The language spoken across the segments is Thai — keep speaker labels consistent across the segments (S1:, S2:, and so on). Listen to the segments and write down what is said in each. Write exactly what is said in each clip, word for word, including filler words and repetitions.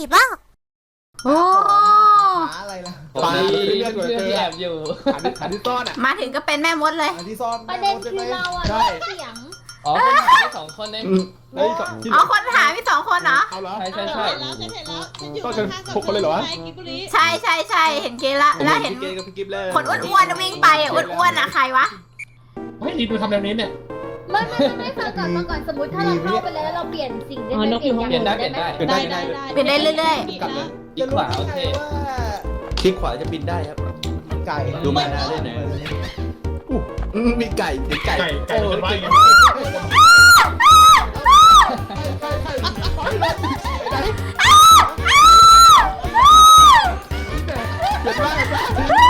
S1: บ้าโอ้
S2: หาอะไรล่ะ
S3: ไป
S4: เรื่
S3: เรื่
S4: อ
S3: อง ง
S4: เรื่
S3: เรื่
S4: อ
S3: อง ง
S4: ที่
S3: ที่
S4: แอ
S3: แอ
S4: บบ อยู่
S3: หาที่หาที่ซ่อนอ่ะ
S1: มาถึงก็เป็นแม่มดเลย
S2: หาที่ซ่อน
S5: ประเด็นคือเราอะ
S3: ใช่
S5: เสียง
S4: อ๋อเป็นหาที่สองคนเอง
S3: เฮ้ยที่
S1: อ๋อคนหามีสองคนเหรอ
S3: เอาเหรอ
S4: ใช่ใช่ใช่
S6: เห็นแล้วฉันเห็นแล้วฉันอยู่
S3: ก็จะ
S6: ข้างๆกับ
S3: พกคนเลยเหรอวะ
S6: ใช่กิบบุรี
S1: ใช่ใช่ใช่เห็นเกละแล้วเห็น
S3: พี่เกกับพี่กิฟเลย
S1: คนอ้วนๆวิ่งไปอ่ะอ้วนๆอ่ะใครวะ
S7: เฮ้ยดีดูทำแบบนี้เนี่ย
S5: ไม่ไม่ไม่ฟังก่อนฟังก่อนสมมติถ้าเราเข้าไปแล้วแล้วเราเปลี่ยนสิ่งได้ไหมเปลี่ยนอย่าง
S4: เปลี่ยนได้
S5: อื่น
S4: เปลี่ยน
S5: ได้
S4: ได้
S5: ไหม
S3: เปลี่ยนได้
S1: เปลี่ยนได้เรื่อย
S3: กลับเลย
S4: อีกขวาโอเค
S3: คลิกขวาจะบินได้ครับ
S2: ไก่
S3: ดูมาหน้าด้วยนะอืมมีไก่มีไก่
S7: ไก่ไก่
S3: โอ้
S7: เป็นว่า
S3: เก่ง
S7: ไง
S3: เดี๋ยวว่าเดี๋ยวว่า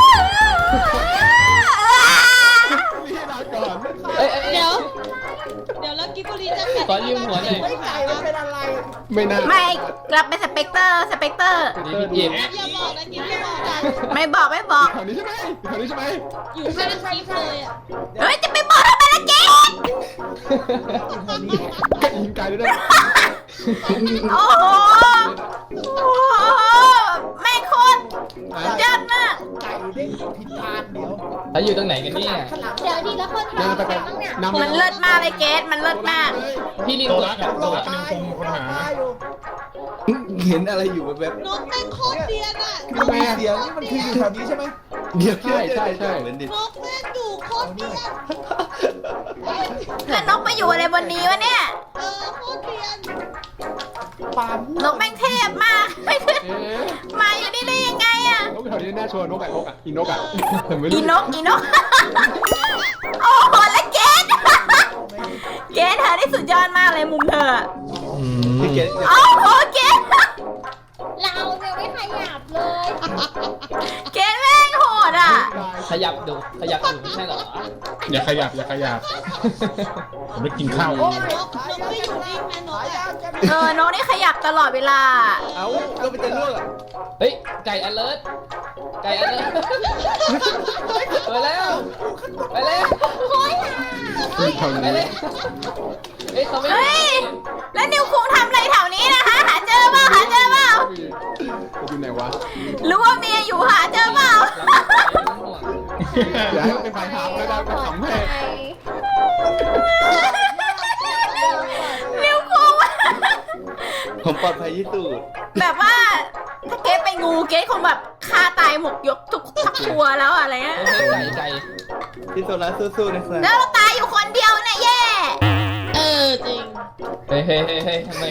S3: พี่ลาก่อน
S4: เอ้ยเอ้ยเอ้ย
S6: เดี๋ยว เดี๋ยวแล้วกิบบุรีจะ
S4: ขอยืมหัวหน่อย
S2: ไม่ไก่มันเป็นอะไร
S3: ไม่น่า
S1: ๆไม่กลับเป็นสเปกเตอร์สเปกเตอร์
S4: นี่พี่กิฟ
S6: อย่าบอกนะกิบอย่าบอกนะ
S1: ไม่บอกไม่บอก
S3: แถวนี้ใช่ไหมแถวนี้ใช่ไหม
S6: อยู่ข้างกิบเลยอ่ะ
S1: เฮ้ยจะไปบอกทำไมล่ะเจ๊
S3: ไก่ยิงไก่ด้วยนะ
S1: โอ้โหโอ้โหแม่งโคตรยอดมาก
S2: ไก่เด้งผิดทางเดี๋ยว
S4: แล้วอยู่ตรงไหนกันเนี่ย
S2: ข้างหลัง
S5: เดี๋ยวดีแล้วคน
S3: เดิน
S5: ทำ
S3: ไปไป
S5: บ้างเนี่ย
S3: นำ
S1: มันเลิศมากเลยเกสมันเลิศมาก
S4: พี่ลิง
S7: โต
S4: กด
S7: รัก
S4: แถ
S7: อะ
S4: บ
S7: โต
S4: ตัว
S7: รักเป็นคงคนหา
S2: ตายอยู่
S3: เห็นอะไรอยู่แบบ
S6: นกแม่งโคตรเดียนอ่ะ
S2: คือมีเสียงนี่มันคืออยู่แถวนี้ใช่ไหม
S3: เดี๋ยวใช่ใช่ใช่เหมือนดิ
S6: นกแม่งอยู่โคตรเดียน
S1: แล้วนกมาอยู่อะไรบนนี้วะเนี่ย
S6: เออโคตรเดียน
S2: ปาล์ม
S1: นกแม่งเทพมากไม่ขึ้น
S3: เอ๊ะ
S1: มาอยู่นี่ได้ยังไงอะ
S3: นกแถวนี้น่าชวนนกอะนกอะอีนกอะไม่
S1: อี
S3: รู้
S1: นกอีนก โอ้โหแล้วเกส เกสเธอได้สุดยอดมากเลยมุมเธออะ
S3: พี่เกด
S1: โอ้โหเกส
S5: เราเนี่ยไม่ขยับเลย
S1: เกสแม่งโหดอ่ะ
S4: ขยับดูขยับดูไม่ใช่เหรอ
S7: อย่าขยับอย่าขยับผมไม่กินข้าว
S6: นกนกไม่อยู่นิ่งนะนก
S2: หายา
S6: อ่ะ
S2: กกัน
S1: เออนกนี่ขยับตลอดเวลา
S3: เอ้าก็ไปเจอเรื่องอะ
S4: เฮ้ยไก่ alert ไก่ alert ไปแล้วไปแล้ว
S3: แถว
S4: ไป
S3: นี้
S4: เลยเฮ้ยเขาไม่
S1: เฮ้ย แล้วนิวคุงทำอะไรแถวนี้นะคะหาเจอเปล่าหาเจอเปล่า
S3: อยู่ไหนวะ
S1: รู้ว่าเมียอยู่หาเจอเปล่า
S3: อย่าให้มันเป็นปลายทางไม่ได้ก็ขำให้
S1: นิวคุง
S3: ผมปลอดภัยที่สุด
S1: แบบว่าถ้าเกสเป็นงูเกสคงแบบฆ่าตายหมกยกทุกทักตัวแล้วอะไรเงี้ย
S4: เฮ้ยไก่ไก่
S3: พี่โซล่าสู้ๆนะครับ
S1: แล้วเราตายอยู่คนเดียวเนี่ยแย่
S6: เออจริง
S4: เฮ้ยเฮ้ยเฮ้ยเฮ้ยทำไม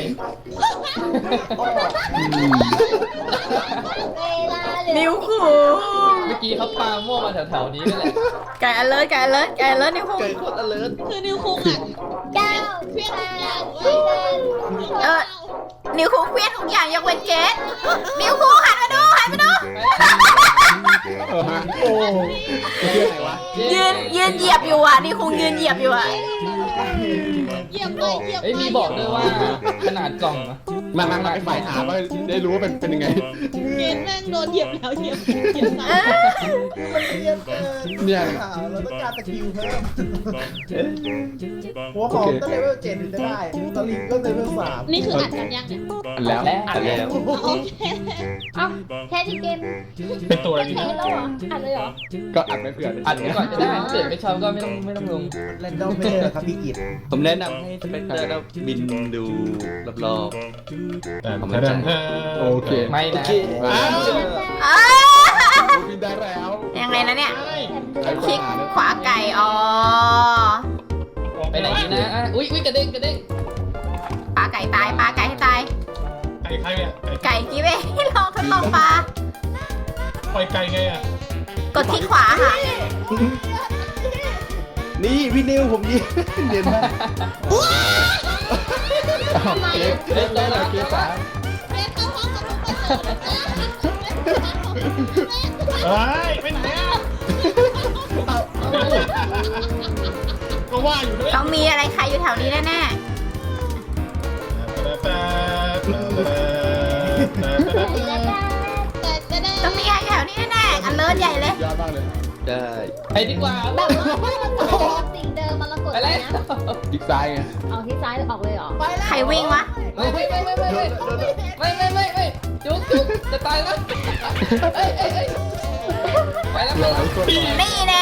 S5: เวลาเหลื
S1: นิ
S5: อ
S1: วคุง
S4: เมื่อกี้เขาปามั่วมาแถวๆนี้นั่นแหละ
S1: ไก่อเลิศไก่อเลิศไก่อเลิศนิวคุง
S3: เกิดโคตรอเลิร์
S6: คือนิวคุงอ่ะ
S5: เก้า
S6: เพี้ยน
S5: แป
S6: ทุกอย่าง
S5: ด
S6: เว้ย
S1: เออนิวคุงเครียดทุกอย่างยกเว้นเกสนิวคุงหันมาดูหันมาดู
S3: เออฮะโอ้ไม่เชื่อไหนวะ
S1: ยืนยืนเหยียบอยู่อ่ะนิวคุงยืนเหยียบอยู่อ่ะ
S6: เหยียบไปเหยียบไป
S4: เฮ้ยมีบอกด้วยว่าขนาดกล่องอะ
S3: มามามาไปฝ่ายหาว่าได้รู้ว่าเป็นเป็นยังไง
S6: เกณฑ์แม่งโดนเหยียบแล้วเหยียบเหยียบ
S1: เอ
S6: ซ้ำ
S1: อ
S2: มันเรียนเกิน
S3: เนี่ย
S2: ข่าวเราต้องการสกิลเพิ่มหัวหอมก็เลเวลเจ็ดถึงจะได้ตะลิงก็เลเวลสาม
S6: นี่คืออัดกันยังเนี่ย
S3: อันแล้วอันแล้ว
S6: โอเค
S5: เอ้าแค่ที่เกม
S7: เป็นตัวอะไร
S5: แค่
S7: ดี
S5: นี้
S7: นะ
S5: แล้วเหรออัดเลยเหรอ
S3: ก็อัดไปเผื่อ
S4: อัดไว้ก่อนจะได้ถ้าเกิดไม่ชอบก็ไม่ต้องไม่ต้องลง
S2: แรนดอมไม่ได้ครับพี่กิต
S3: ผมแนะนำให้สเปกเตอร์แล้วบินดูรอบ
S7: แต่ผมจะโอเค
S4: ไม่นะ
S3: ๆ
S7: อ้าว
S1: อ้า
S3: บินได้แล้ว
S1: ยังไงนะเนี่ย
S3: ใช้
S1: คลิก
S3: ขวา
S1: ขวาไก่อ๋อ
S4: ไปไหนดีนะอ่ะอุ้ยอุ้ยกระเด้งกระเด้ง
S1: ปลาไก่ตายปลาไก่ให้ตาย
S7: ไก่ใครเนี่ย
S1: ไก่กิ๊บเองลองทดลองปลา
S7: ปล่อยไก่ไงอ่ะ
S1: กดที่ขวาค่ะ
S3: นี่พี่นิวผมยิงเด่นมากเล็กเล็กได้เลยเกียร์สาม
S6: เรียนเข้าห้องกับทุกคนเลยนะ
S7: เฮ้ยไปไหนอ่ะก็ว่าอยู่ด้วย
S1: ต้องมีอะไรใครอยู่แถวนี้แน่ๆต้องมีใครอยู่แถวนี้แน่ๆอันเลิศใหญ่เลย
S3: ยอดมากเลยได้
S4: ไปดีกว่า
S5: แบบว่าถ้ามันกดสิ่งเดิมมันละกด
S4: ไป
S5: อะไร
S4: แล้ว
S5: นะ
S3: อีกซ้ายไง
S5: เอาที่ซ้ายออกเลยเหรอ
S2: ไปแล้ว
S1: ใครวิ่งวะ
S4: ไม่ไม่ไม่ไม่ไม่ไม่ไม่ไม่ไม่จะตายแล้วเอ้ยเอ้ยเอ้ยไปแล้วไปแล้ว
S1: นี่แน่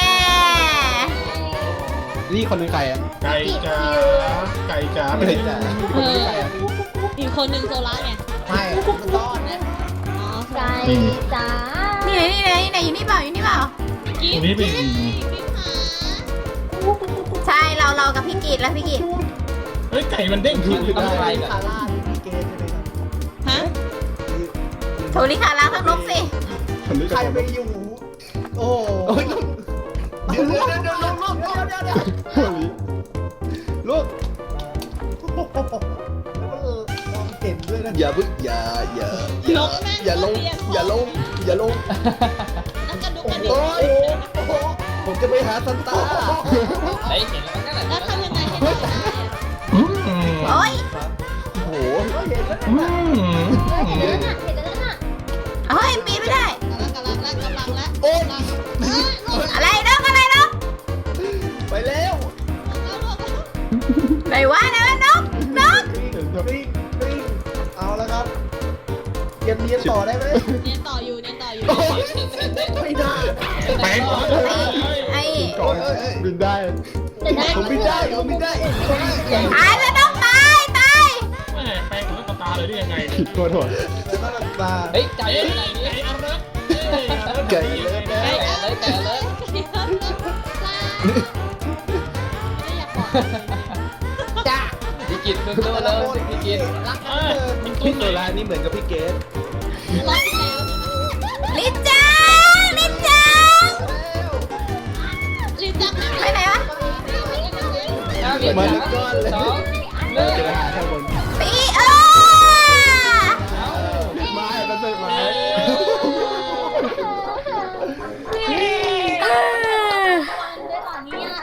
S3: นี่คนนึงใครอ่ะ
S7: ไก่จ๋าไก่จ๋าไม่เห็นจ๋า
S6: เอออีกคนนึงโซล่าไง
S2: ไม่มันซ่อนนะ
S6: อ๋อ
S5: ไก่จ๋า
S1: นี่ไหนนี่ไหนนี่ไหนอยู่นี่เปล่าอยู่นี่เปล่า
S6: กิ๊
S7: ตร
S6: บ
S7: งนี้เป็น
S6: กิ๊บหา
S1: ใช่เราเรากับพี่กีดแล้วพี่กีด
S7: เฮ้ยไก่มันเด้งขึ้น
S4: ต้องไป
S2: คาร่าที่พี่เกณฑ์ใช่ไหมครับ
S6: ฮะ
S1: โทริคาร่าทั้งนกสิ
S3: คนนึง
S2: ใครไปอยู่ โอ้โหเดี๋ยวเดี๋ยวเดี๋ยวเดี๋ยวเดี๋ยวเดี๋ยวเดี๋ยวเดี๋ยว
S3: ลูก
S2: แล้วมันมองเห็นด้วยนะ
S3: อย่าพึ่งอย่าอย่า
S6: ลงแม่ง
S3: อย่าลง
S6: เรีน
S3: อย่าลงอย่าลง
S6: แล้วกระดุกกระดิ
S2: โอ้
S6: ก
S2: ยโอ้โห
S3: ผมจะไปหาซันต้า
S4: เฮ้ยเห็นแล้วนั่นแหละ
S6: แล้วทำยังไงให้ได้อะ
S7: อืม
S1: โอ้ย
S3: โอ้โห
S2: เห็นแล้ว
S7: อืม
S5: เห็นแล้วน่ะเห็นแล้วน่ะ
S1: เฮ้ยปีนไม่ได้
S6: กำลังกำลังแล้วกำลังแล้ว
S3: โอ้ย
S6: กำลังเอ้ยลง
S1: อะไรนกอะไรนก
S3: ไปแล้ว
S6: แล้วลงแล้ว
S1: ไหนวะไหนวะนกนก
S2: กริ๊งกริ๊งเอาแล้วครับเรียนเรียนต่อได้ไหม
S6: เรียนต่ออยู่เรียนต่ออยู่
S2: ไม่ได้
S7: แปลงก่อน
S1: ไอ้
S3: ก่อนบินได้
S5: จะได้
S3: ผมบินได้ผมบินได้
S1: ตายแล้วนกตายตาย
S7: แม่แปลงของตาเลยได้ยังไง
S3: ผิดตัวถ่วง
S2: แล้วก็ตา
S4: เฮ้ยไก่
S7: ไก่
S4: อยู่ไหนนี่
S7: ไก่อารักเอ้ยอารัก
S3: ไก่เลยนะ
S4: ไก่เลยไก่เลย
S6: ไม่อยากบอก
S2: จ้า
S4: พี่กิตสู้ๆเลยพี่กิต
S2: รัก
S7: อ่ะมันตุ้
S3: พี่
S7: ม
S3: โซ
S7: เลย
S3: ลานี่เหมือนกับพี่เกส
S6: รอบที่แล้ว
S1: ลินจังลินจัง
S6: ลินจัง
S1: ไปไหนวะ
S4: ห้าวิสามสองหนึ่ง
S3: จะไปหาข้างบน
S1: ปีเออ
S3: ไม้มันเป็นไม้
S5: ด้วยตอนนี้อะ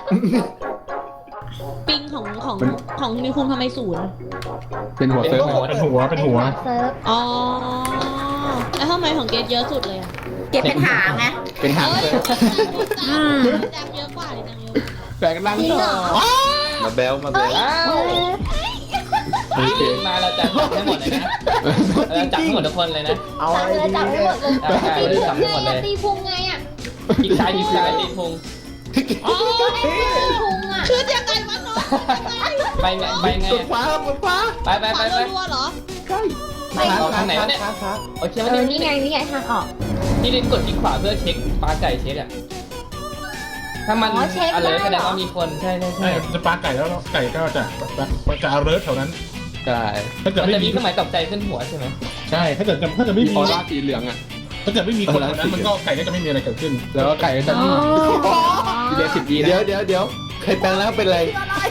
S6: ปิงของของของนิวคุงทำไมศูนย์
S3: เป็นหัวเซิร์ฟ
S7: เป็นหัวเป็นหัว
S5: เซิร์ฟ
S6: อ๋อแล้วทำไมของเกดเยอะสุดเลยอ่ะ
S1: เก็บเป็นหางไง
S3: เป็นหาง
S6: เอ้ย
S3: เซิร์ฟ
S6: จังเยอะกว่าลินจังเยอะ
S3: แปลงร่างต่อมาแบลมาแบล
S4: อ้าวพี่มาเราจัดให้หมดเลยนะเราจัดให้หมดทุกคนเลยนะ
S2: เอา
S5: จับ
S2: อะไร
S5: เลย
S2: ดี
S5: จับให้
S2: เนี่
S5: หม
S2: ย
S5: ดเลย
S4: ใช่เลยจับให้หมดเลย
S5: ตีพุงไงอ่ะ
S4: อีกซ้ายอีกซ้ายตีพุง
S6: อ๋อ
S5: ตีพุงอ่ะ
S6: คือยังไงวะน้อง
S4: ไปไงไปไง
S3: กดฟ้ากดฟ้า
S4: ไปไป
S6: ข
S4: ไป
S6: วา
S4: ไป
S6: รัวๆเหรอ
S3: ใช่
S4: ออกทางไหนวะเนี่ย
S2: ครับครับ
S4: โอเค
S5: เอ
S4: วัน
S5: อ
S4: นี้
S5: นี่ไงนี่ไงทางออก
S4: พี่ลินกดคลิกขวาเพื่อเช็คปลาไก่เช็คอะถ้ามันอะไรแสดงว่ามีคนใช่ใช่
S7: ใช่
S4: ใช่
S7: จะปลาไก่แล้วไก่ก็จะจะอาเริร์แถวนั้น
S3: ใช่
S7: ถ้าเกิด
S4: มัน
S7: ไม่
S4: จะมี
S7: มี
S4: เครื่องหมายตกใจขึ้นหัวใช่ไหม
S7: ใช่ถ้าเกิดถ้าเกิดไม่
S3: มี
S7: มี
S3: ออร่าสีเหลืองอ่ะ
S7: ถ้าเกิดไม่มีคนแถวนั้นมันก็ไก่ก็จะไม่มีอะไรเกิดขึ้น
S3: แล้วก็ไก่จะนิ่งเดี๋ยวสิบวิเดี๋ยวเดี๋ยวเดี๋ยวใครแปลงแล้วเป็นไร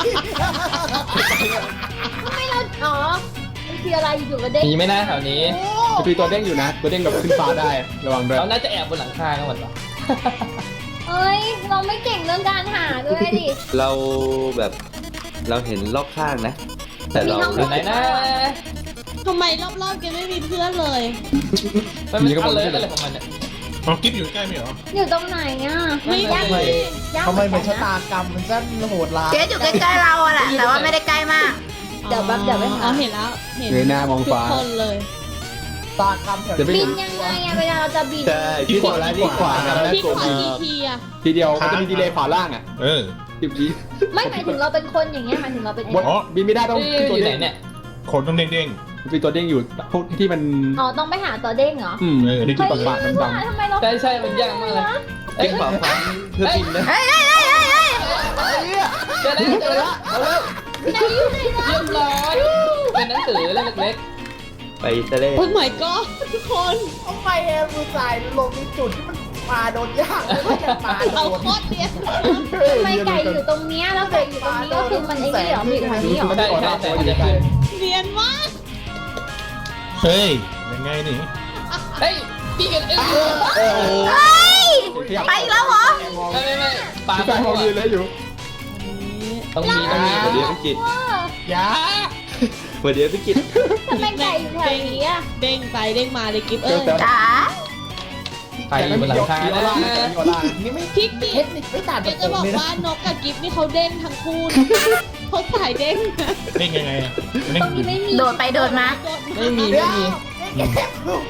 S5: ทำไมเราอ๋อมันคืออะไรอยู่ๆก็เด้ง
S4: มีไหม่น่าแถวนี้
S3: จะมีตัวเด้งอยู่นะ ตัวเด้งแบบขึ้นฟ้าได้ระวังด้วย
S4: เราน่าจะแอบบนหลังคากันหมดหรอ
S5: เอ้ยเราไม่เก่งเรื่องการหาด้วยดิ
S8: เราแบบเราเห็นรอบข้างนะ แต่เรา
S5: มีห้อง
S4: ไหนนะ
S6: ทำไมรอบๆแกไม่มีเพื่อนเลย
S4: มันเป็นอะไรอะไรของมันเนี่ย
S7: อ๋อกิ๊บอยู่ใกล้ไหมเหรอ
S5: อยู่ตรงไหนอ่ะ
S6: ไม่
S5: ยาก
S6: มี
S5: ยาก
S2: ทำไมเหมือน
S5: กั
S2: ชะตากรรมมันสั้นโหดร้าย
S1: เจ๊อยู่ใกล้ๆเราอะแหละแต่ว่าไม่ได้ใกล้มาก
S5: เดี๋ยวแบบเดี๋ยวไป
S6: อ๋
S5: หา
S6: อเห็นแล้ว เห็น
S3: เงยหน้ามอง
S6: ทุก
S3: ฟ้า
S6: คนเลย
S2: ตากรรมแถว
S3: จะไม่
S5: บิ
S3: เห็
S5: น
S3: น
S5: ยังไงอะเวลาเราจะบิน
S3: ใช่พี่โซลานี่ขวากันแล้ว
S6: พี่
S3: ก
S6: ข
S3: ด
S6: วากี่ทีอะ
S3: ทีเดียวมันจะมีดีเลย์ขวาล่างอ่ะ
S7: เออ
S3: สิบวิ
S5: ไม่หมายถึงเราเป็นคนอย่างเงี้ยหมายถึงเราเป็น
S3: บนบินไม่ได้ต้องขึ้น
S4: อ
S3: ตัว
S4: ยู่ไหน
S3: เด้ง
S4: เนี่ย
S7: โขนต้องเด้ง
S3: มีตัวเด้งอยู่พวกที่มัน
S5: อ๋อต้องไปหาตัวเด้งเหรอ
S3: อืม
S7: ๆเออนี่
S3: ที่
S7: คือ
S3: ปากปาก
S5: ไม่
S3: ดำ
S5: ว่าทำไมเรา
S4: ใช่ใช่มันยากมากเลย
S8: เด้งขวาขวาเพื่อบินนะ
S1: เฮ้ยเฮ้ยเฮ้ยเฮ้ยเฮ้ย
S4: เจอแล้วเจอแล้วเอาแล้ว
S5: ไหนอยู่ไหนนะ
S4: เรียบร้อยเป็นหนังสือเล่มเล็ก
S8: ไปทะเล
S6: โอ้ย my god ทุกคน
S2: ทำไมเอมมือสายลงในจุดที่มันมาโดนยากเลยว่าจะมาโด
S6: เรา
S2: น
S6: โคตรเรียน
S5: ทำไมไก่อยู่ตรงเนี้ยแล้วไก่อยู่ตรงนี้ก็คือมันไอ้นี่เหรอมันอยู่ทางนี้เหรอ
S4: ๆใช่ใช่ใช่มันจะขึ้น
S6: เรียนมาก
S7: เฮ้ยยังไงนี่
S4: เฮ้ยพี่กันเอ้ย
S3: โอ้โห
S1: เฮ้ยไปอีกแล้วเหรอ
S4: ไม่ไม่ไม่ปลา
S3: พี่ชายมองยืนเลยอยู่
S4: ต้องมีต้องมี
S8: สวัสดีพี่กิต
S7: ยา
S8: สวัสดีพี่กิต
S5: ทำไมไก่อยู่แถวนี้อะ
S6: เด้งไปเด้งมาเลยกิฟเอ้ย
S1: จ๋า
S4: ไปอยู่บนหลังคา
S3: มีออร่า
S4: นะ
S3: มีออร่า
S2: นี่ไม่
S6: พี่กิ
S2: เท
S6: ฟ
S2: คนิคไม่ต่าง
S6: เก
S2: กับ
S6: จะ
S2: ผม
S6: บอก
S2: เลยนะ
S6: ว่านกกับกิฟนี่เขาเด้งทั้งคู่นะเขาสายเด้งนะ
S7: เด้งยังไงอ่ะเด้ง
S5: ตรงนี้ไม่มี
S1: โดดไปโดดมา
S4: ไม่มีไม่มี
S2: เก็บ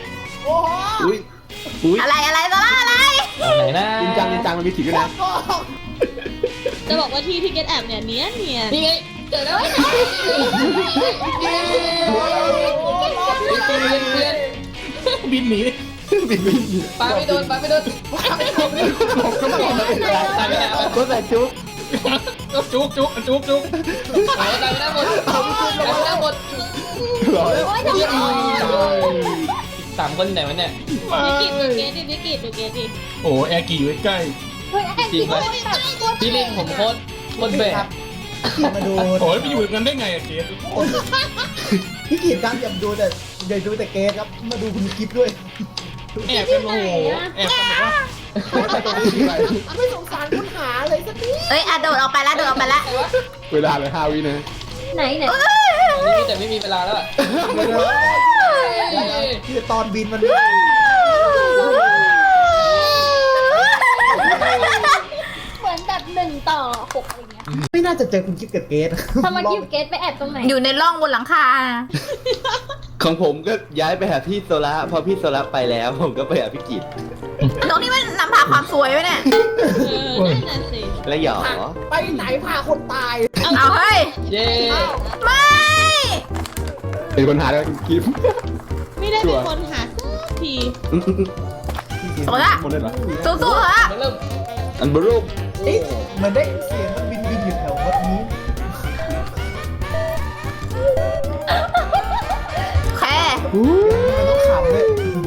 S2: โอ้โห
S8: อุ้ยอุ้ย
S1: อะไรอะไรซาร่าอะไร
S4: เอาไหนนะ
S3: จริงจังจริงจังมันมีถีบด้วยนะ
S6: จะบอกว่าที่ที่เกตแอบเนี่ยเนี้ยเนียน
S4: นี่ไงเจอแล้วเปลี่ยนเปลี่ยน
S7: บินหนี
S3: บินบิน
S4: ปาไม่โดนปาไม่โดนปาไม่โดน
S3: หลบก็ไม่ได้
S4: ตายไม่ได้
S3: ก็ใส่จุ๊บ
S7: จุกจุกจุกจุก
S4: ตายไม่ได้หมดตายไม่ได้หมด
S3: หรอ
S5: โอ้ยทำไม
S4: สามคนไหนวะเนี่ย
S6: นิกิตดูเกตดินิกิตดูเกตดิ
S7: โอ้แอร์กี่อยู่ใกล้
S5: เฮ้ยไอ้ที่แบบโคตร
S4: พี่ลิงผมโคตรโคตรแบก
S2: มาดู
S7: โอ้ยไปอยู่กันได้ไงอะเกส
S2: พี่กีดครับอย่าดูแต่อย่าดูแต่เกสครับมาดูคุณกิฟด้วย
S7: แอบกันโอ้โหแอบกันแบบว่า
S3: ไปตรงนี้ทีไร
S2: ไม่สงสารคุณหาเลยสักนิด
S1: เอ้ยอ่ะโดดออกไปแล้วโดดออกไปแล้ว
S3: เวลาเลยห้าวินะ
S5: ไหนไหน
S4: ตอนนี้แต่ไม่มีเวลาแล้ว
S2: ที่ตอนบินมัน
S5: เหมือนแบบหนึ่งต่อหกอะไรเงี้ย
S2: ไม่น่าจะเจอคุณกิฟกับเกส
S5: ทำไมคิวเกตไปแอบตรงไหน
S1: อยู่ในร่องบนหลังคา
S8: ของผมก็ย้ายไปหาพี่โซล่าพอพี่โซล่าไปแล้ว ผมก็ไปหาพี่กิต
S1: ตรงนี้มันนำพาความสวยไว้เนี่ย
S6: เออนั่นน่ะสิ
S8: แล้วหยอ
S2: ไปไหนพาคนตาย
S1: เอาเฮ้ย
S4: เย้
S1: ไม่
S3: เป็นคนหาแล้วกิฟ
S6: ไม่ได้เป็นคนหาสักที
S1: โซล่า
S3: หมดเลยเหรอ
S1: สู้ๆเหรอ
S4: มาเริ่ม
S8: อันบรูป
S2: เอ๊ะเหมือนได้เสียงมันบินบินอยู่แถววัดนี้
S1: แค่
S2: มันต้องขำเลย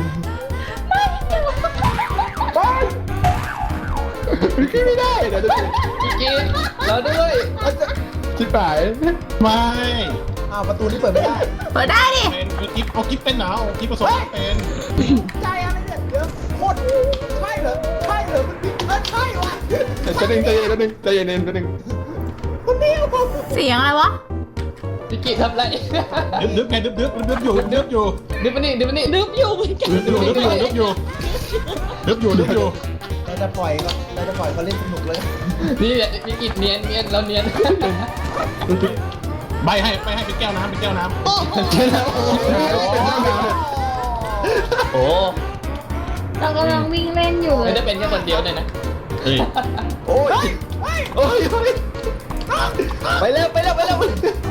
S3: ไม่ได้เดี๋ยวจะ
S4: พี่กินเราด้วย
S3: ชิบหาย
S7: ไม่
S2: อ้าวประตูนี่เปิดไม่ได้
S1: เปิดได้ดิ
S7: เป็นเอากิฟเอากิฟเป็นหนาวกิฟผสมเป็น
S2: ใจอะไรเนี่ยเดี๋ยวโคตรใช่เหรอใช่เหรอมันบินเออใช่ว่ะ
S3: จะดึงใจเย็นจะดึงใจเย็นจะดึง
S2: คนนี้ผม
S1: เสียงอะไรวะ
S4: พี่กินทำไร
S7: ดึบดึบไงดึบดึบดึบอยู่ดึบอยู่
S4: ดิบมานี่ดิบมานี่
S6: นึบอยู่เหมือนกัน
S7: ดึบอยู่ดึบอยู่ดึบอยู่ดึบอยู่ดึบอยู่
S2: เราจะปล่อยก็เราจะปล่อยเขาเล่นสนุกเลย
S4: นี่พี่กินเนียนเนียนเราเนียน
S7: ใบให้ไปให้เป็นแก้วน้ำเป็นแก้วน้ำ
S6: โอ้โห
S4: โอ้
S5: เรากำลังวิ่งเล่นอยู่
S4: ไม่ได้เป็นแค่คนเดียวเลยนะ
S7: เฮ้ย
S3: โอ้ยโอ้ยไปแล้วไปแล้วไปแล้ว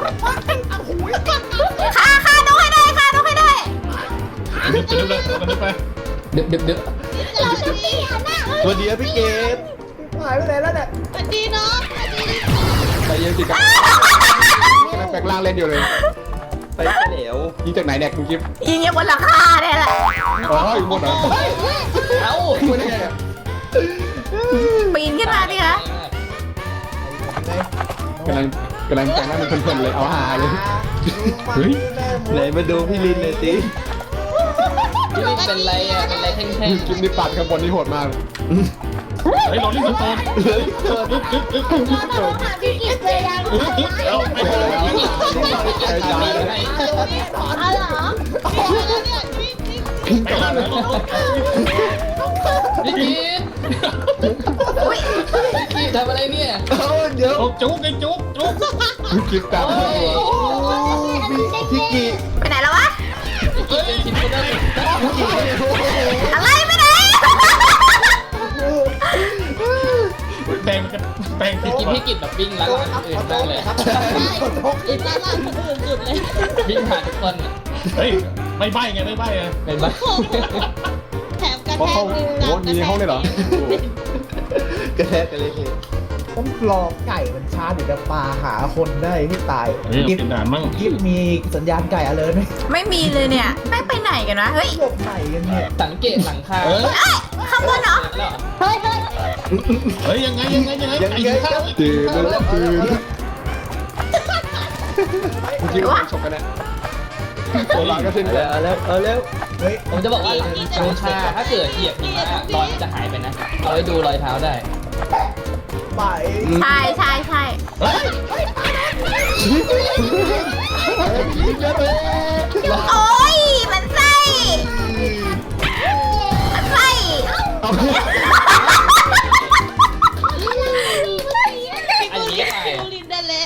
S1: ฆ่าฆ่านกให้ได้ฆ่านกให้ได้
S7: ดึบดึบเลยดึบไป
S4: ดึบดึบดึบ
S3: ตัวเดียวพี่เกด
S2: หายไปไหนแล้วเนี่ย
S6: สวัสดีเนาะ
S3: ใจเย็นสิครับแปลงร่างเล่นอยู่เลย
S8: ไปไปแล้ว
S3: ยิงจากไหนเนี่ยคุณกิฟ
S1: ยิงอยู่บนหลังคาเนี่ยแหละ
S3: อ๋ออยู่บนเหรอ
S4: เอ้า
S3: ไม่ได้ไงเนี่ย
S1: ปีนขึ้นมาดิคะ
S3: กำลังกำลังแต่งหน้าเป็นเพลินๆเลยเอาหาเลย
S7: เฮ้ย
S8: ไหนมาดูพี่ลินเลยสิ
S4: พี่ลินเป็นไรอ่ะเป็นไรแท่ง
S3: คลิปนี้ปัดข้างบนนี่โหดมาก
S7: เฮ้ยโรลลิ่งสโตนดึบดึบดึบดึบดึบ
S5: เราหาพี่กิจเลยยัง
S7: ดึบดึบเอาไปเลย
S4: ๆพี่กินพี่กินทำอะไรให้
S5: อ๋อเหรอ
S7: ไปแล้วนะ
S4: พี่กิน
S1: อุ้ย
S4: พี่กินทำอะไรเนี่ย
S3: เดี๋ยว
S7: จุกไอ้จุกจุก
S3: คลิปกันพี่กี
S1: ไปไหนแล้ววะ
S4: พี่กินเป็นชิ้นเดิม
S1: อะไรไปไหน
S7: แต่งกันแต่ง
S4: พี่กินพี่กินแบบวิ่งล้างอื่นมากเลย
S6: อีกด้านล่างคนอื่นสุดเลย
S4: วิ่งผ่านทุกคน
S7: เฮ้ยไม่ใบไงไม่ใบไง
S4: เป็นไหม
S6: แถมกระ
S3: เพราะ
S6: แท
S3: เขา
S6: กมือ
S3: โอ้มีห้องเลยเหรอก
S8: ระแทกกันเลย
S2: ต้องรอไก่มันช้าเดี๋ยวจะปาหาคนได้ให้ตาย
S7: เฮ้ย
S2: กิฟ
S7: เป็นด่านมั่ง
S2: กิฟมีสัญญาณไก่อะไรไหม
S1: ไม่มีเลยเนี่ยไม่ไปไหนกันวะเฮ้ย
S2: หลบไหนกันเนี่ย
S4: สังเกตหลังคา
S7: เออ
S1: เอ้ยข้างบนเหรอ
S5: เฮ้ยเฮ้ย
S7: เฮ้ยยังไงยังไงยังไงไอ้ข้าว
S3: ตื่นแล้วตื่นคุณกิฟไปชมกันนะตัวหลังก็สิ้น
S8: เอา
S3: แล้
S8: แล้ว วเอาแล้วเอาแล้ว
S2: เฮ้ย
S4: ผมจะบอกว่าหลังคาถ้าเกิดเหยียบหิมะรอยมันจะหายไปนะ เอาไว้ดูรอยเท้าได้
S2: ไป
S1: ใช่ใช่ใช่
S7: เฮ้ย
S1: โอ้ยมันไส้มันไส้
S4: อันนี้ก็ตาย
S6: ดูลินได้แล้ว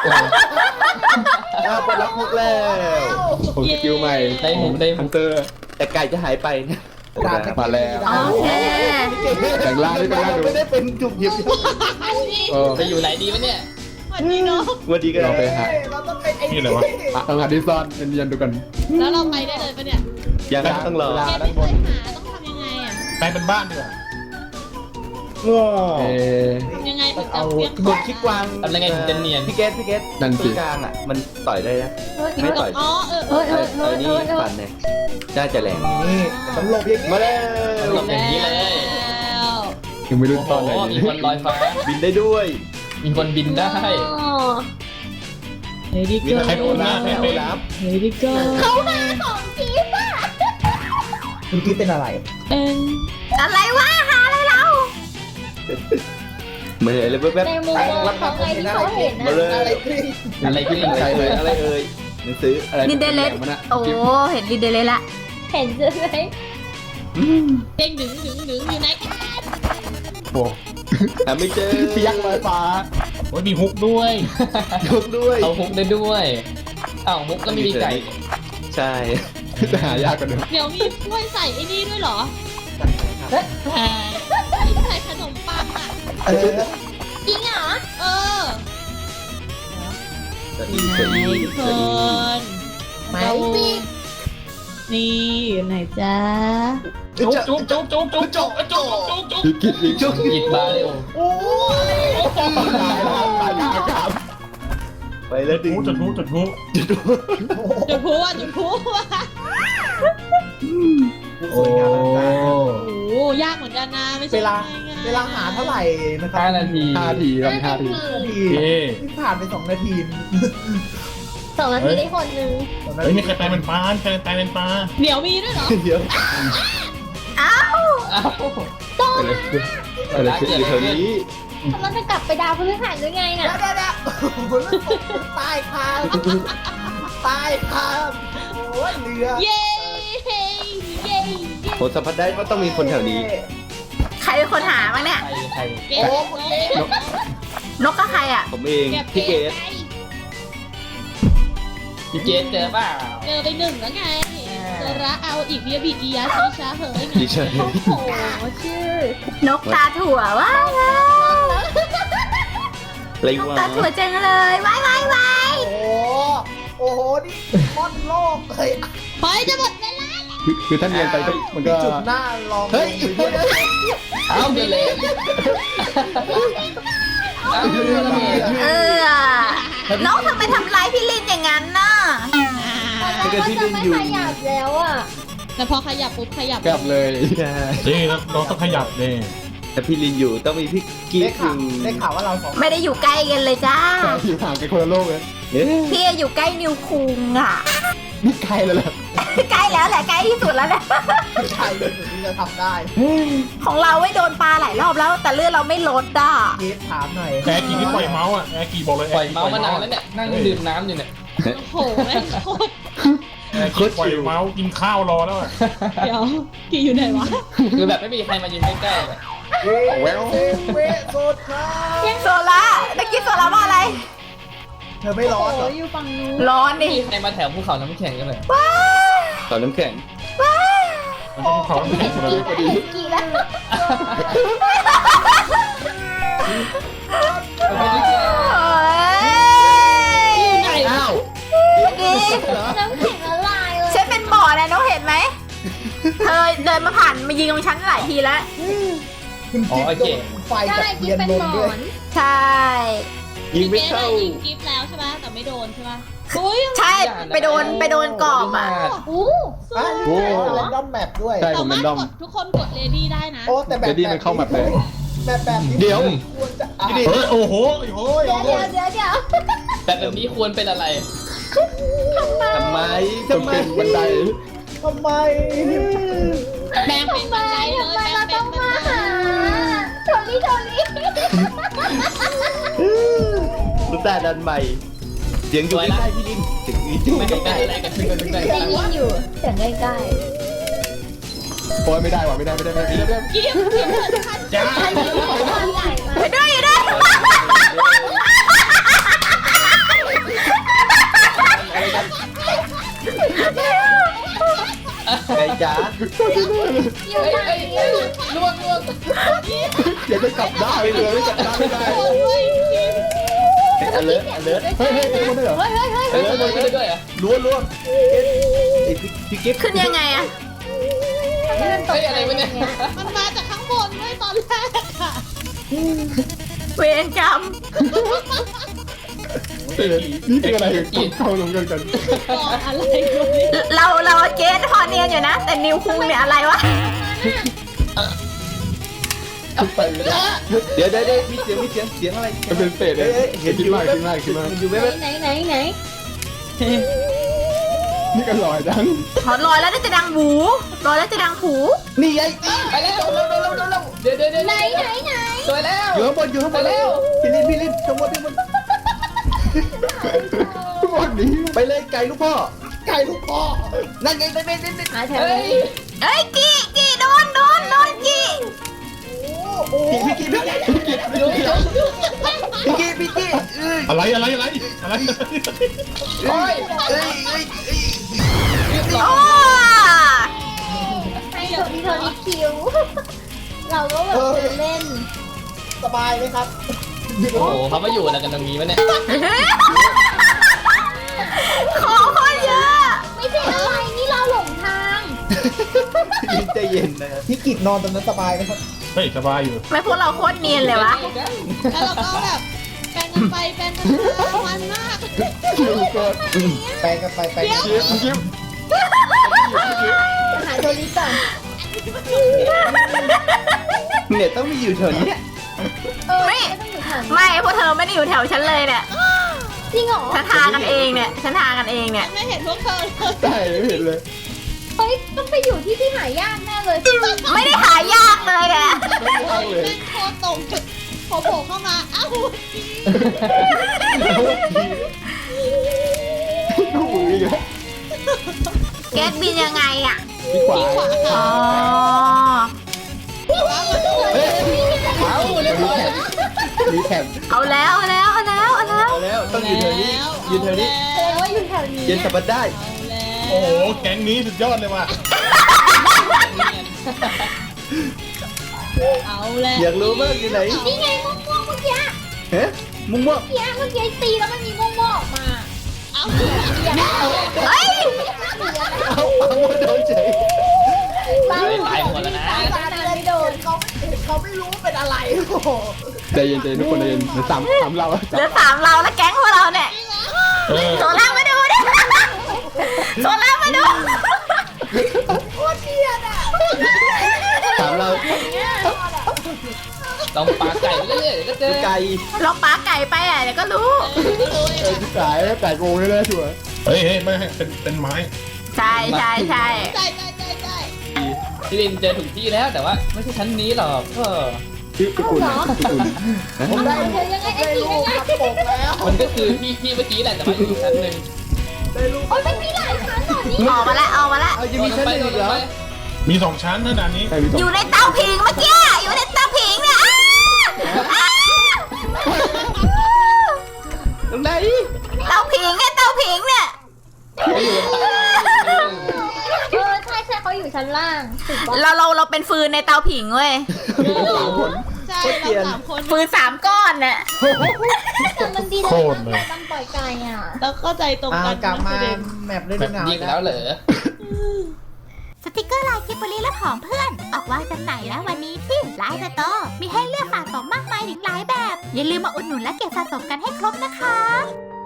S3: อ่ะปลดล็อกมุกแล้วผมสกิลใหม่
S4: ได้หมูได้ห
S3: ฮั
S4: มู
S3: นเตอร์
S8: แต่ไก่จะหายไปนะ
S3: มาแล้ว
S1: โอเค
S3: แต่งร่างด้วยกันร่างดู
S8: ไม่ได้เป็นจุบหยิบ
S3: เออ
S4: จะอยู่ไหนดีวะเนี่ย
S6: สวัสดีเนาะ
S8: วันดีก็
S3: เราไปหา
S2: เราต้องเป็นไอ้
S7: นี่อะไรวะ
S3: อ่ะต้องหาที่ซ่อนเนียนๆดูกัน
S6: แล้วเราไปได้เลยปะเนี่ย
S8: ยังต้องรอ
S6: เกมไม่เคยหาต้องทำยังไงอ่ะ
S7: แปลงเป็นบ้านดีกว่า
S8: ง้อ
S3: เออ
S6: ทำยังไงถึงจะ
S8: เอา
S6: เพียง
S8: กดคลิกวาง
S4: ทำยังไงถึงจะเนียน
S8: พี่เกตพี่เกต
S3: นั่นสิ
S8: ตรงกลางอ่ะมันต่อยได้นะไม่ต่อย
S6: อ๋อเออเอ
S1: เฮ้
S6: อย
S1: เฮ้ย
S8: ไอ้
S1: เฮ้ย
S8: นี่
S1: เฮ้ยเฮ้ย
S8: ฟันเนี่ยน่าจะแรง
S2: นี่สำหลบอย่างนี้
S8: มาแล้ว
S4: หลบอย่างนี้เลย
S6: แล้ว
S3: ยังไม่รู้
S4: โอ้โห
S3: ซ่อนอะไร
S4: มี
S3: เลย
S4: คนลอยฟ้า
S8: บินได้ด้วย
S4: มีคนบินได้
S6: เฮ้ยดิ
S8: มี
S6: เกิ
S8: ใครโดนนะใครโดนรับ
S6: เฮ้ยดิเกิ
S5: เขามาของจีบอ่ะ
S2: คุณคิดเป็นอะไร
S6: เป็น
S1: อะไรวะหาอะไรเรา
S8: เหมือนอะไรแป๊บ
S5: ในมุมมองของไงที่เขาเห็น
S8: ๆมา
S5: นะ
S8: เลย
S2: อะไรกรี๊ด
S4: อะไรที่ลิง
S8: ใคร
S4: ใคร
S8: เอ่
S4: เลย ย
S8: อะไรเอ่ยหนังสือ
S3: อะไร
S1: ลินเดเลส
S3: มันอะ
S1: โอ้เห็นลินเดเลสละ
S5: เห็นใช่ไหม
S6: เด้งดึงดึงดึงอยู่ไหนกัน
S3: โอ้
S8: หาไม่เจอ
S3: พี่ยักษ์ลอยฟ้า
S7: โอ้ยมีฮุกด้วย
S8: ยกด้วย
S4: เอาฮุกได้ด้วยอ้าวฮุกแล้วไม่มีไก่
S8: ใช่
S3: จะหายากกว่าเดิม
S6: เดี๋ยวมีถ้วยใส่ไอ้นี่ด้วยเหรอใช่ใส่ขนมปังอ่ะ
S2: เออ
S5: จริงเหรอ
S6: เออ
S8: จะอี
S6: ไหน
S8: จะอี
S6: ทุกค
S8: จะอี
S6: น
S5: ไม่
S6: เรา
S5: ปิด
S6: นี่อยู่ไหนจ๊ะ
S7: จุ๊บจุ๊บจุ๊บจุ๊บจุ๊บจุ๊บจุ๊บจุ๊บจุ๊บ
S3: พี่กิดพี่จุ๊บ
S4: หยิบบาเลยโอ้
S2: โอ้ย
S3: ตายแล้วตายแล้วครับ
S8: ไปแล้วดิ
S7: จุดทุจุดทุ
S6: จุดพลุอ่ะจุดพลุอ่ะ
S2: สวยงามอลังการ
S6: โอ้โหยากเหมือนกันนะไม่ใช่
S2: เวลา
S6: ง่ยๆ
S2: เวลาหาเท่าไหร่นะครั
S4: ห้านาที
S3: ห้าทีครับห้าที
S2: นาที
S7: เอ๊ะ
S2: ที่ผ่านไปสองนาที
S5: สองนาทีได้คนนึง
S2: สองนา
S7: เฮ้ย
S2: ที
S7: มีใครแปลงเป็นปลาใครแปลงเป็นปลา
S6: เดี๋ยวมีด้วยเหรอ
S8: เดี๋ยว
S1: อ้าว
S4: อ้าว
S3: อะไรขึ้นอะไรขึ้น
S8: อยู่แถวนี้
S5: เราจะกลับไปดาวพฤหัสหรือไงน่ะ
S2: เดี๋ยวเดี๋ยวเดี๋ยวโอ้โหแล้วตกใต้คางใต้คางโอ้ยเรือ
S6: เย้เย้เย้
S8: ผมสัมผัสได้ว่าต้องมีคนแถวนี้
S1: ใครเป็นคนหาบ้างเนี่ย
S4: ใครใคร
S6: เก่ง
S2: โอ้คุณเอ๊ะ
S1: นกก็ใครอ่ะ
S8: ผมเอง
S6: เก็บ
S8: พี่เก
S6: เก่
S8: ต
S6: ง
S4: พี่เกตเจอเปล่า
S6: เจอไปหนึ่งแล้วไงเจอระเอาอีกเบียบีอียาชิชาเฮ้ยไง
S8: ดิฉัน
S6: โอ้โห
S5: ชื่อน
S1: กตาถั่วว้าวว้าวน
S8: อะไร
S1: นก
S8: วะ
S1: ตาถั่วจังเลยว้ายว้ายว้าย
S2: โอ้โหโอ้โหนี่มอนโลกเลย
S6: เฮ้ยจะหมดเวลา
S3: คือคือถ้าเนียนไปก็มันก็
S2: จุดหน้าลอง
S8: เฮ้ย
S2: ลงไปด้วย
S4: เอาเดเลยเอาเดเลย
S1: เออนกทำไมทำร้ายพี่ลินอย่างนั้นน่ะ
S5: ตอนแรกก็จะไม่ขยับแล้วอ่ะ
S6: แต่พอขยับปุ๊บขยับ
S3: กลับเลย
S8: ใช่
S7: นี่เราเราต้องขยับเนี่ย
S8: แต่พี่ลินอยู่ต้องมีพี่กีฟอ
S2: ได้ข่าว
S8: ยู่
S2: ได้ข่าวว่าเราสอง
S1: ไม่ได้อยู่ใกล้กันเลยจ้า
S3: อยู่ห่างกันคนละโลกเลย
S8: เอ๊ะ
S1: พี่อยู่ใกล้นิวคุงอ่ะ
S3: นี่ใกล้แล้วล่ะ
S1: ใกล้แล้วแหละใกล้ที่สุดแล้วเนี่ย
S2: ใครเป็นคนที่จะทำได้
S1: ของเราไม่โดนปลาหลายรอบแล้ว แต่เลือดเราไม่ลดอ่ะ
S2: เกฟถามหน่อย
S7: แอร์กีที่ปล่อยเมาส์อ่ะแอร์กีบอกเลย
S4: ปล่อยเมาส์มานานแล้วเนี่ยนั่งดื่มน้ำอยู่เนี่ย
S6: โอ้โหแม่งโคตร
S7: แอร์กีปล่อยเมาส์กินข้าวรอแล้วอ่ะ
S6: เดี๋ยวกี่อยู่ไหนวะ
S4: คือแบบไม่มีใครมายืนใกล้ๆเลย
S2: เวเวเวโซครับ
S1: โซล่าตะกี้โซล่าว่าอะไร
S2: เธอไม่ร้อนเหรอ
S5: อยู่ฝั่งนู้น
S1: ร้อน
S4: ไม่
S1: ดิ
S4: มีใครมาแถวภูเขาน้ำแข็งกันเลย
S8: ต่อน้ำแข็ง
S7: มันต้องเขา
S5: เห็นกี่แล้วเห็นกี่แล้ว
S1: โอ้ย
S6: อยู่ไหนวะ
S8: อ้าว
S1: ดี
S5: น้ำแข็งละลายเลย
S1: ฉันเป็นบ่อนะน้องเห็นไหมเธอเดินมาผ่านมายิงตรงฉันหลายทีแล้ว
S2: คุณจิ๊บโดนไฟ
S5: ได้
S2: จาก
S5: กิ
S2: เทียน
S5: เป็น
S2: ล
S5: ห
S2: ม
S5: ม
S2: ด้
S5: อ
S2: วย
S5: น
S1: ใช่
S8: ยิงไม่
S6: เจ๊
S8: เข้า
S6: น่ะยิงกิฟต์แล้วใช่ไหมแต่ไม่โดนใช่ไหมอุ้ย
S1: ใช่ไปโดนไปโดนกรอบอ่ะ
S5: อู้
S2: อ่ะ
S3: โอ้
S2: เล่นดอมแมปด้วย
S3: ใช่ผ
S6: สาม
S3: เป็
S6: มาร
S3: น
S6: ถ
S3: ดอม
S6: กดทุกคนกดเลดี้ได้นะ
S2: โอ้แต่แบบ
S3: เดี๋ยวนี้มันเข้าแมปเลย
S2: แบบแบบนี้
S8: เดี๋ยว
S2: ควรจะอ่ะ
S7: เฮ้ยโอ้โหโอ้โห
S5: เดี๋ยวเดี๋ยวเดี๋ยวเดี๋ยว
S4: แต่แบบนี้ควรเป็นอะไร
S8: ทำไม
S3: ต้อ
S8: ทำ
S3: ง
S8: ไม
S3: เป็นบันได
S2: ทำไม
S6: แบงเป็นบันไดเลย
S5: ทำไม
S6: แบง
S5: เรา
S6: เป็
S5: ต้
S6: น
S5: อง
S6: บัน
S5: มา
S6: ได
S5: หาโทลี่โทลี่
S8: รู้แต่ดันใหม่เสียงอยู่ใกล้ๆพี่ลินเสียงอยู่
S4: ไม่
S8: ใก
S4: ได้
S8: ล้
S4: เป็นอะไรกันขึ้นกันได้
S5: ได้ยินอยู่เสียงใกล้
S3: โอ้ยไม่ได้ว่ะไม่ได้ไม่ได้ไม่ได้ไม่ได้
S6: กิฟต์กิฟต์เหมือนกัน
S7: จ้า
S5: ๆอันนี้ความใหญ่มา
S1: ไปด้วยอยู่ด้วย
S8: ๆไก่จ๋า
S5: อยู่
S4: เฮ้ย
S5: ไหน
S4: เฮ้ยเฮ้ย
S5: อะ
S4: ล่วงล่วง
S3: เดี๋ยวจะกลับได้เลยไม่กลับได้ไม่ได้
S6: โอ้ยคิม
S8: อเลิร์อเลิร์
S3: เฮ้ยเฮ้ยเป็นคนได้เหรอ
S5: เฮ้ยเฮ้ยเฮ้ย
S4: เฮ้ยขโมยขึ้นได้ด้วยเหรอ่ะ
S8: ล้วล้วงไอ้พี่พี่กิฟต์
S1: ขึ้นยังไงอะ
S5: เดินตก
S4: เฮ้ย
S5: ใจ
S4: อะไรวะเนี่ย
S6: มันมาจากข้างบนด้วยตอนแรกอะ
S1: เวรกรรม
S3: เออนี่เป็นอะไรต้องเข้าลงกันกัน
S6: บอกอะไรกูเนี่ย
S1: เราเราเกณฑ์พอเนียนอยู่นะ แต่นิวคุงเนี่ยอะไรวะ
S3: ไปไม่ได้
S8: เดี๋ยวเดี๋ยวเดี๋ยวมีเสียงมีเสียงเสียงอะไร
S3: มันเป็นเศษเล
S8: เฮ้
S3: ย
S8: ยเห็น
S3: คิ
S8: อ
S3: ด
S8: ยู่
S3: มากคิดมากคิดมาก
S8: เห็นอยู่ไหม
S5: ไหนไหนไหน
S3: นี่ก็ลอยจัง
S1: ขอลอยแล้วจะดังหูลอยแล้วจะดังหู
S8: นี่ไง
S4: ไปแล้วเร็วเร็วเร็วเร็วเร็วเดี๋ยวเดี๋ยวเดี๋ยว
S5: ไหนไหนไหน
S4: สวยแล้ว
S8: อยู่ข้างบนอยู่ข้างบน
S4: ไปแล้ว
S8: พี่ลินพี่ลินข้างบนข้างบน
S3: ทุกคนนี้
S8: ไปเลยไก่ลูกพ่อ
S2: ไก่ลูกพ่อ
S8: นั่นไงนั่นไงนั่นไง
S5: หาแถว
S4: เฮ้ย
S5: นี้
S1: เอ้ยกี่กี่โดนโดนโดนกี่
S2: โอ้โห
S8: พี่พี่พี่พี่พี่
S4: ดูดูดู
S8: พี่พี่พี่เอ้ย
S7: อะไรอะไรอะไรอะไร
S4: โอ้ย
S8: เอ้ยเอ้ยเอ้ย
S4: รีบหล
S1: โอ้
S4: อก
S5: ให้โทนี่โทนี่คิว เราก็แบบเดินเล่น
S2: สบายไหมครับ
S4: โอ้โหเขามาอยู่อะไรกันตรงนี้วะเนี่ย
S1: ของคนเยอะ
S5: ไม่ใช่อะไรนี่เราหลงทาง
S8: พี่ใจเย็นนะครับ
S2: พี่กิจนอนตรงนั้นสบายไหมครับ
S7: เฮ้ยสบายอยู่
S1: ไม่พวกเราโคตรเนียนเลยวะ
S6: แล้วเราก็แบบแปลงกันไปแปลงกันมามันมาก
S3: คิวก็
S2: แปลงกันไปแปลงกัน
S3: คิวคิว
S5: หาโทนี่ก่อน
S8: เนี่ยต้องมีอยู่แถวเนี้ย
S5: เออ
S1: ไม่
S5: ต้องอยู่แถวนี้
S1: ไม่พวกเธอไม่ได้อยู่แถวฉันเลยเนี่ย
S5: จริงเหรอ
S1: ฉันทากันเองเนี่ยฉันทากันเองเนี่ย
S6: ไม่เห็นพวกเธอเลย
S3: ได้ไม่เห็นเลย
S5: เฮ้ยต้องไปอยู่ที่ที่หายากแน่เลย
S1: ไม่ได้หายากเลยแก
S3: ไม่ยากเลย
S6: แม่งโคตรตรงพอโผล่เข้ามาอ้าว
S3: ดูมืออีกแล้ว
S1: แก๊สบินยังไงอะ
S3: ที่ขวา
S6: ขวา
S1: อ๋
S6: ค่ะ
S1: อ
S4: เอาเรียบร้อย
S8: รีแคป
S1: เอาแล้วเอาแล้วเอาแล้วเอาแล้ว
S8: เอาแล้วต้องอยู่แถวนี้อยู่แถวนี้
S5: แสดงว่าอยู่แถวนี้
S8: เย็นสับปะได้
S7: โอ้โหแก๊งนี้สุดยอดเลยว่ะ
S6: เอาแล้ว
S8: อยากรู้มากอยู่ไหน
S5: นี่ไงม่วงม่วงๆเมื่อกี้
S8: เฮ้มุ้งม่วง
S5: เมื่อกี้เมื่อกี้ตีแล้วมันมีม่วงม่วงๆออกมา
S6: เอา
S1: เฮ้ย
S8: เอาเอามาโดนเฉย
S5: ตาย
S4: ตายหมดแล้วนะ
S5: ตายไม่โดน
S2: เขาเขาไม่รู้เป็นอะไรโอ้โห
S3: ใจเย็นใจเย็นทุกคนใจเย็นเดี๋ยวสามสามเรา
S1: เหลือสามเราแล้วแก๊งพวกเราเนี่ย
S7: เออ
S1: โซล่ามาดูดิโซล่ามาดู
S8: ถามเรา
S4: ต้องปาไก่ไปเรื่อยๆเดี๋ยวก็เจอ
S8: ไก่
S1: ลองปาไก่ไปอ่ะเดี๋ยวก็รู้
S3: เออที่สายไก่โกงแน่ๆชัวร์
S7: เฮ้ยเฮ้ยไม่ให้เป็นเป็นไม้
S1: ใช่ใช่ใช่
S6: ใจใจใจใจ
S4: พี่ลินเจอถูกที่แล้วแต่ว่าไม่ใช่ชั้นนี้หรอกก็
S3: พี่พี่คุณพี่คุณ
S2: ผมได้
S5: เธอยังไงไอ้
S2: ได้
S5: ตี
S2: ลู
S5: ยัง
S2: ก
S5: ไง
S2: ทำปกแล้ว
S4: มันก็คือพี่พี่เมื่อกี้แหละแต่ว่าอีกชั้นหนึ่ง
S2: ได้ลูก
S5: โอ้ยมันมีหลายชั้นเหรอนี่
S1: ออกมาแล้วออกมาแล้ว
S8: เอายังมีชั้นหนึ่งอีกเหรอ
S7: มีสองชั้นเท่านั้นนี้
S3: ใครมีสอ
S1: อง ยู่ในเตาผิงเมื่อกี้อยู่ในเตาผิงเนี่ยอ้าอ้า
S8: ตรงไหน
S1: เตาผิงเนี่ยเตาผิงเนี่ย
S4: ไม่อยู่บนตัก
S5: เออใช่ใช่เขาอยู่ชั้นล่างถูกปะ
S1: เราเราเราเป็นฟืนในเตาผิงเว้ย
S3: สามคน
S6: ใช่เราสามคน
S1: ฟืนสามก้อนเนี่ย
S5: แต่มันดีนะตั้งตั้งปล่อยไก่อ่ะ
S6: เราเข้าใจตรง
S2: อ่า
S6: กัน
S2: กลับมา
S6: ประเด็น
S2: แมปเล่น
S4: แบบ
S2: เงา
S4: ยิงแล้วเหรอ
S1: สติกเกอร์ลายกิบบลีและของเพื่อน ออกวางจำหน่ายแล้ววันนี้ที่ไลน์สโตร์มีให้เลือกสะสมมากมายถึงหลายแบบ อย่าลืมมาอุดหนุนและเก็บสะสมกันให้ครบนะคะ